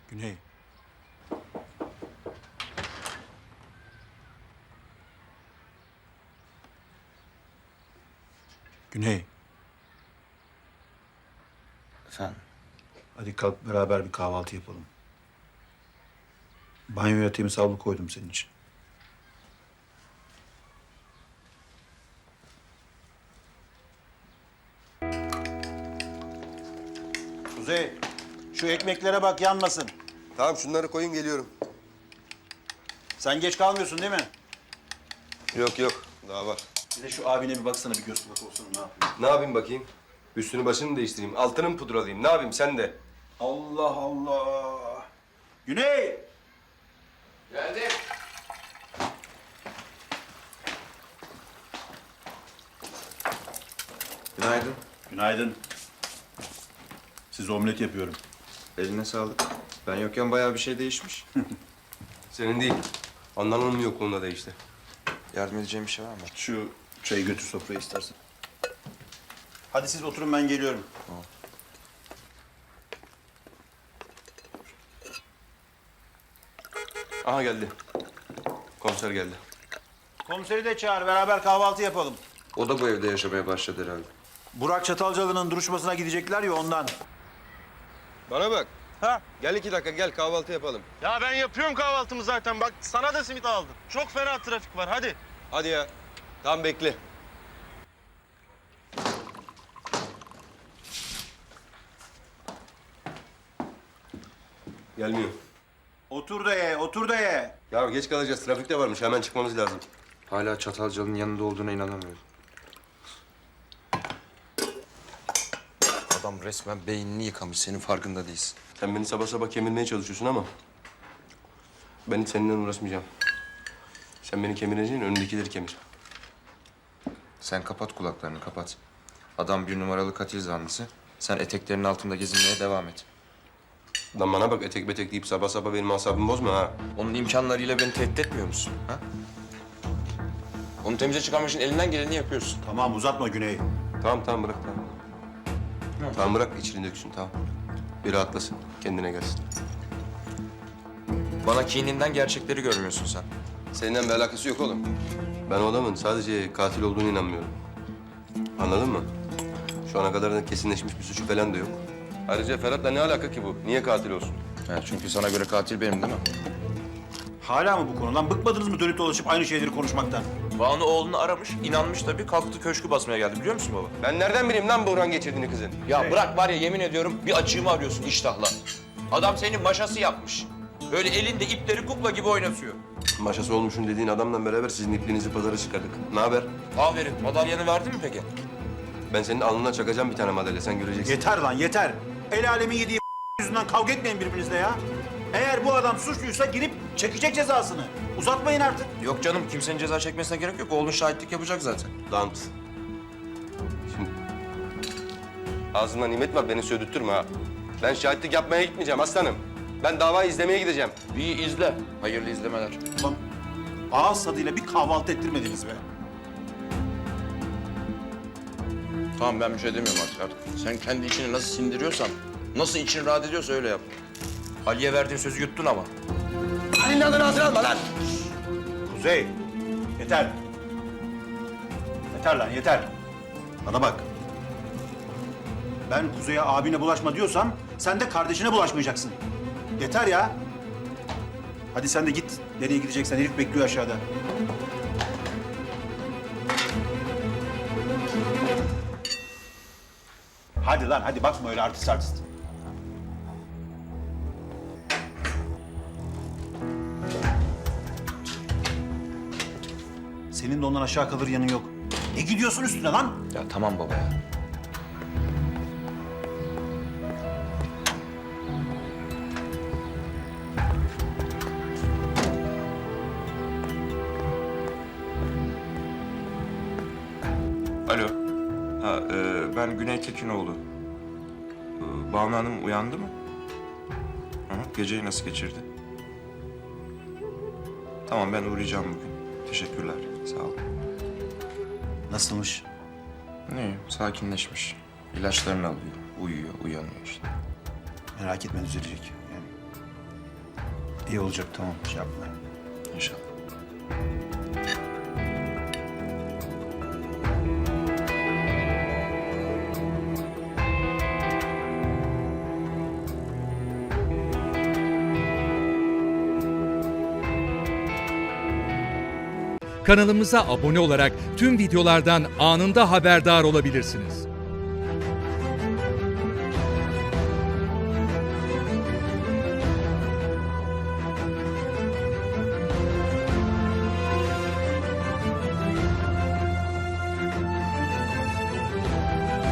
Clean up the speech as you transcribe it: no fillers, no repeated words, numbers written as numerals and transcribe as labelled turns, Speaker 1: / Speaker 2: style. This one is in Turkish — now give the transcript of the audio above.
Speaker 1: Güney. Güney.
Speaker 2: Efendim?
Speaker 1: Hadi kalk beraber bir kahvaltı yapalım. Banyoya temiz havlu koydum senin için. Kuzey, şu ekmeklere bak yanmasın.
Speaker 3: Tamam şunları koyun geliyorum.
Speaker 1: Sen geç kalmıyorsun değil mi?
Speaker 3: Yok yok daha var.
Speaker 1: Bir de şu abine bir baksana, bir göz kulak olsun, ne yapıyor?
Speaker 3: Ne yapayım bakayım? Üstünü başını mı değiştireyim? Altını mı pudralayayım? Ne yapayım sen de?
Speaker 1: Allah Allah! Güney!
Speaker 3: Geldim.
Speaker 2: Günaydın.
Speaker 1: Günaydın. Size omlet yapıyorum.
Speaker 2: Eline sağlık. Ben yokken bayağı bir şey değişmiş.
Speaker 3: Senin değil. Anlanın mı yokluğunda değişti.
Speaker 2: Yardım edeceğim bir şey var mı?
Speaker 1: Şu çayı götür sofraya istersen. Hadi siz oturun, ben geliyorum.
Speaker 2: Tamam.
Speaker 3: Aha geldi. Komiser geldi.
Speaker 1: Komiseri de çağır, beraber kahvaltı yapalım.
Speaker 2: O da bu evde yaşamaya başladı herhalde.
Speaker 1: Burak Çatalcalı'nın duruşmasına gidecekler ya, ondan.
Speaker 3: Bana bak.
Speaker 4: Ha?
Speaker 3: Gel 2 dakika gel kahvaltı yapalım.
Speaker 4: Ya ben yapıyorum kahvaltımı zaten. Bak sana da simit aldım. Çok fena trafik var. Hadi.
Speaker 3: Hadi ya. Tamam bekle. Gelmiyor.
Speaker 1: Otur da ye, otur da ye.
Speaker 3: Ya geç kalacağız. Trafik de varmış. Hemen çıkmamız lazım.
Speaker 2: Hala Çatalcalı'nın yanında olduğuna inanamıyorum. Adam resmen beynini yıkamış. Senin farkında değilsin.
Speaker 3: Sen beni sabah sabah kemirmeye çalışıyorsun ama ben hiç seninle uğraşmayacağım. Sen beni kemireceğin önündekileri kemir.
Speaker 2: Sen kapat kulaklarını, kapat. Adam 1 numaralı katil zanlısı. Sen eteklerinin altında gezinmeye devam et.
Speaker 3: Lan bana bak etek betek deyip sabah sabah benim asabımı bozma ha.
Speaker 2: Onun imkanlarıyla beni tehdit etmiyor musun? Ha? Onu temize çıkarmak için elinden geleni yapıyorsun.
Speaker 1: Tamam, uzatma Güney.
Speaker 3: Tamam bırak tamam. Tamam bırak içini döksün tamam. Bir rahatlasın kendine gelsin.
Speaker 2: Bana kininden gerçekleri görmüyorsun sen.
Speaker 3: Seninle bir alakası yok oğlum. Ben o adamın sadece katil olduğunu inanmıyorum. Anladın mı? Şu ana kadar da kesinleşmiş bir suçu falan da yok. Ayrıca Ferhat'la ne alaka ki bu? Niye katil olsun?
Speaker 2: Ha, çünkü sana göre katil benim değil mi?
Speaker 1: Hala mı bu konudan? Bıkmadınız mı dönüp dolaşıp aynı şeyleri konuşmaktan?
Speaker 2: Banu oğlunu aramış, inanmış tabii. Kalktı köşkü basmaya geldi biliyor musun baba?
Speaker 3: Ben nereden bileyim lan buhran geçirdiğini kızın?
Speaker 2: Ya bırak var ya yemin ediyorum bir açığımı arıyorsun iştahla. Adam senin maşası yapmış. Böyle elinde ipleri kukla gibi oynatıyor.
Speaker 3: Maşası olmuşun dediğin adamla beraber sizin ipliğinizi pazara çıkardık. Ne haber?
Speaker 2: Aferin. Madalyanı verdin mi peki?
Speaker 3: Ben senin alnına çakacağım bir tane madalya sen göreceksin.
Speaker 1: Yeter lan, yeter. El alemin yediği yüzünden kavga etmeyin birbirinizle ya. Eğer bu adam suçluysa girip çekecek cezasını. Uzatmayın artık.
Speaker 2: Yok canım kimsenin ceza çekmesine gerek yok. Oğlun şahitlik yapacak zaten.
Speaker 3: Lan. Şimdi ağzından nimet var beni södürtürme ha. Ben şahitlik yapmaya gitmeyeceğim aslanım. Ben davayı izlemeye gideceğim.
Speaker 2: İyi izle. Hayırlı izlemeler.
Speaker 1: Ulan ağız tadıyla bir kahvaltı ettirmediniz be.
Speaker 2: Tamam ben bir şey demiyorum artık. Sen kendi içini nasıl sindiriyorsan, nasıl için rahat ediyorsa öyle yap. Ali'ye verdiğin sözü yuttun ama.
Speaker 3: Ali'nin adını ağzına alma lan.
Speaker 1: Kuzey, yeter. Yeter lan, yeter. Bana bak. Ben Kuzey'e abine bulaşma diyorsam sen de kardeşine bulaşmayacaksın. Yeter ya. Hadi sen de git. Nereye gideceksen herif bekliyor aşağıda. Hadi lan, hadi bakma öyle artist artist. Senin de ondan aşağı kalır yanın yok. Ne gidiyorsun üstüne lan?
Speaker 2: Ya tamam baba ya. Alo. Ha, ben Güney Tekinoğlu. Banu Hanım uyandı mı? Hı hı, geceyi nasıl geçirdi? Tamam ben uğrayacağım bugün. Teşekkürler. Sağ ol.
Speaker 1: Nasılmış?
Speaker 2: İyi, sakinleşmiş. İlaçlarını alıyor, uyuyor, uyanıyor işte.
Speaker 1: Merak etme, düzelecek. Yani İyi olacak, tamam, şey yapma.
Speaker 2: İnşallah.
Speaker 5: Kanalımıza abone olarak tüm videolardan anında haberdar olabilirsiniz.